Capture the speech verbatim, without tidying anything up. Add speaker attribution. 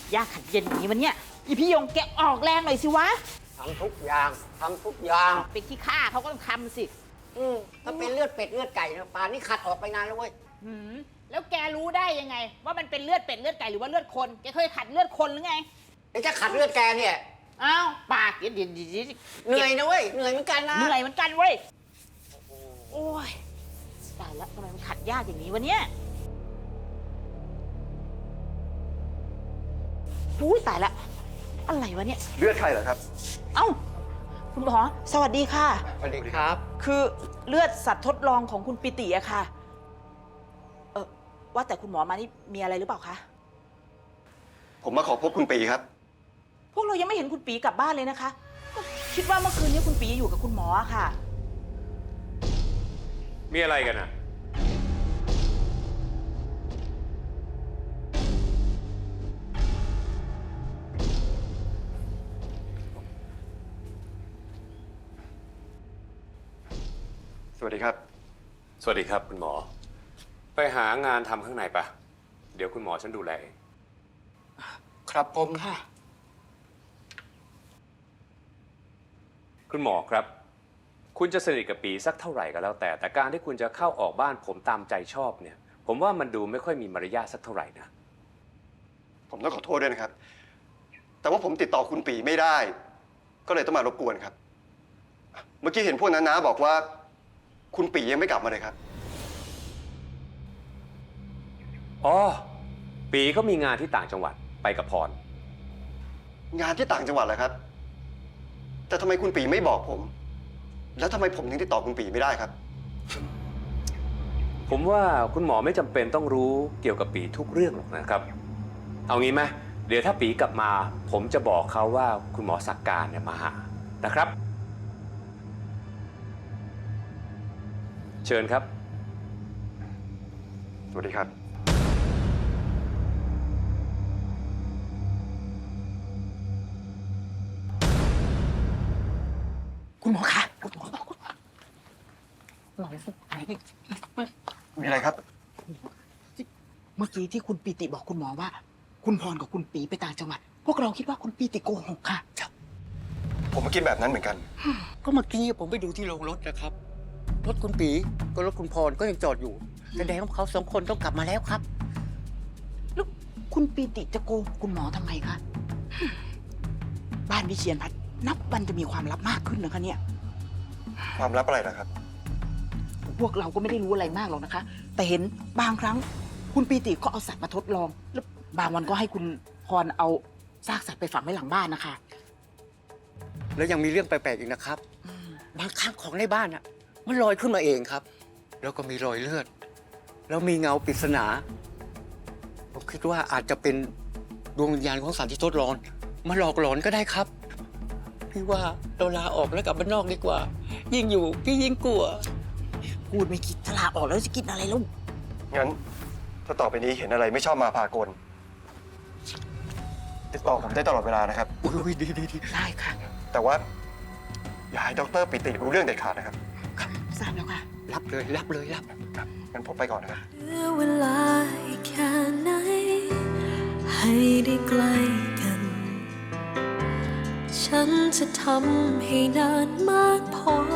Speaker 1: ยากขัดเย็นอย่างนี้วันเนี้ยอีพี่ยงแกออกแรงหน่อยสิวะ
Speaker 2: ทำทุกอย่างทำทุกอย่าง
Speaker 1: เป็นที่ฆ่าเขาก็ต้องทำสิ
Speaker 2: อืมถ้าเป็นเลือดเป็ดเลือดไก่นะป่านนี้ขัดออกไปนานแล้วเว้ย
Speaker 1: หืมแล้วแกรู้ได้ยังไง ว่ามันเป็นเลือดเป็ดเลือดไก่หรือว่าเลือดคนแกเคยขัดเลือดคนหรือไง
Speaker 2: ไอ้จะขัดเลือดแกเนี่ย
Speaker 1: อ้าวปากเดี๋ยวเดี๋ยวเดี๋ยว
Speaker 2: เหนื่อยนะเว้ยเหนื่อยเหมือนกันนะ
Speaker 1: เหนื่อยเหมือนกันเว้ยโอ้ยตายแล้วทำไมมันขัดยากอย่างนี้วะเนี่ยอุ้ยตายละอะไรวะเนี่ย
Speaker 3: เลือดใครเหรอครับ
Speaker 1: เอ้าคุณหมอสวัสดีค่ะ
Speaker 2: สวัสดีครับ
Speaker 1: คือเลือดสัตว์ทดลองของคุณปิติอะค่ะเออว่าแต่คุณหมอมานี่มีอะไรหรือเปล่าคะ
Speaker 3: ผมมาขอพบคุณปีครับ
Speaker 1: พวกเรายังไม่เห็นคุณปีกลับบ้านเลยนะคะก็คิดว่าเมื่อคืนนี้คุณปีอยู่กับคุณหมอค่ะ
Speaker 4: มีอะไรกันอะ
Speaker 3: สวัสดีครับ
Speaker 4: สวัสดีครับคุณหมอไปหางานทำข้างในปะเดี๋ยวคุณหมอฉันดูแล
Speaker 2: ครับผม
Speaker 1: ค่ะ
Speaker 4: คุณหมอครับคุณจะสนิทกับปีสักเท่าไหร่ก็แล้วแต่แต่การที่คุณจะเข้าออกบ้านผมตามใจชอบเนี่ยผมว่ามันดูไม่ค่อยมีมารยาทสักเท่าไหร่นะ
Speaker 3: ผมต้องขอโทษด้วยนะครับแต่ว่าผมติดต่อคุณปีไม่ได้ก็เลยต้องมารบกวนครับเมื่อกี้เห็นพวกนั้นนะบอกว่าคุณปียังไม่กลับมาเลยครับ
Speaker 4: อ๋อปีก็มีงานที่ต่างจังหวัดไปกับพร
Speaker 3: งานที่ต่างจังหวัดเหรอครับแต่ทำไมคุณปีไม่บอกผมแล้วทำไมผมถึงติดต่อคุณปีไม่ได้ครับ
Speaker 4: ผมว่าคุณหมอไม่จำเป็นต้องรู้เกี่ยวกับปีทุกเรื่องหรอกนะครับเอางี้ไหมเดี๋ยวถ้าปีกลับมาผมจะบอกเขาว่าคุณหมอศักการเนี่ยมาหานะครับเชิญครับ
Speaker 3: สวัสดีครับ
Speaker 1: คุณหมอคะคุณหมอหมอ
Speaker 3: มีอะไรครับ
Speaker 1: เมื่อกี้ที่คุณปีติบอกคุณหมอว่าคุณพรกับคุณปีไปต่างจังหวัดพวกเราคิดว่าคุณปีติโกหกค่ะ
Speaker 3: ผมก็คิดแบบนั้นเหมือนกัน
Speaker 2: ก็เมื่อกี้ผมไปดูที่โรงรถนะครับรถคุณปีก็รถคุณพรก็ยังจอดอยู่แสดงว่าเขาสองคนต้องกลับมาแล้วครับ
Speaker 1: แล้วคุณปีติจะโกหกคุณหมอทำไมคะบ้านวิเชียรพัฒน์นับวันจะมีความลับมากขึ้นนะคะเนี่ย
Speaker 3: ความลับอะไรล่ะครับ
Speaker 1: พวกเราก็ไม่ได้รู้อะไรมากหรอกนะคะแต่เห็นบางครั้งคุณปีติก็เอาสัตว์มาทดลองแล้วบางวันก็ให้คุณพรเอาซากสัตว์ไปฝังไว้หลังบ้านนะคะ
Speaker 2: แล้วยังมีเรื่องแปลกๆอีกนะครับบางครั้งของในบ้านอ่ะมันลอยขึ้นมาเองครับแล้วก็มีรอยเลือดแล้วมีเงาปริศนาผมคิดว่าอาจจะเป็นดวงวิญญาณของสัตว์ที่ทดลองมาหลอกหลอนก็ได้ครับพี่ว่าเราลาออกแล้วกลับบ้านนอกดีกว่ายิ่งอยู่พี่ยิ่งกลัว
Speaker 1: พูดไม่คิดถ้าลาออกแล้วจะกินอะไรลูก
Speaker 3: งั้นถ้าต่อไปนี้เห็นอะไรไม่ชอบมาพากลติดต่อผมได้ตลอดเวลานะครับ
Speaker 2: อุ้ยดีดีดี
Speaker 1: ได้ค่ะ
Speaker 3: แต่ว่าอย่าให้ดร.ปิติรู้เรื่องเด็ดขาดนะครับ
Speaker 1: ครับทราบแล้วค่ะ
Speaker 2: รับเลยรับเลยรับ
Speaker 3: ครับงั้นผมไปก่อนนะครับ
Speaker 5: เหลือเวลาอีกแค่ไหนให้ได้ใกล้กันฉันจะทำให้นานมากพอ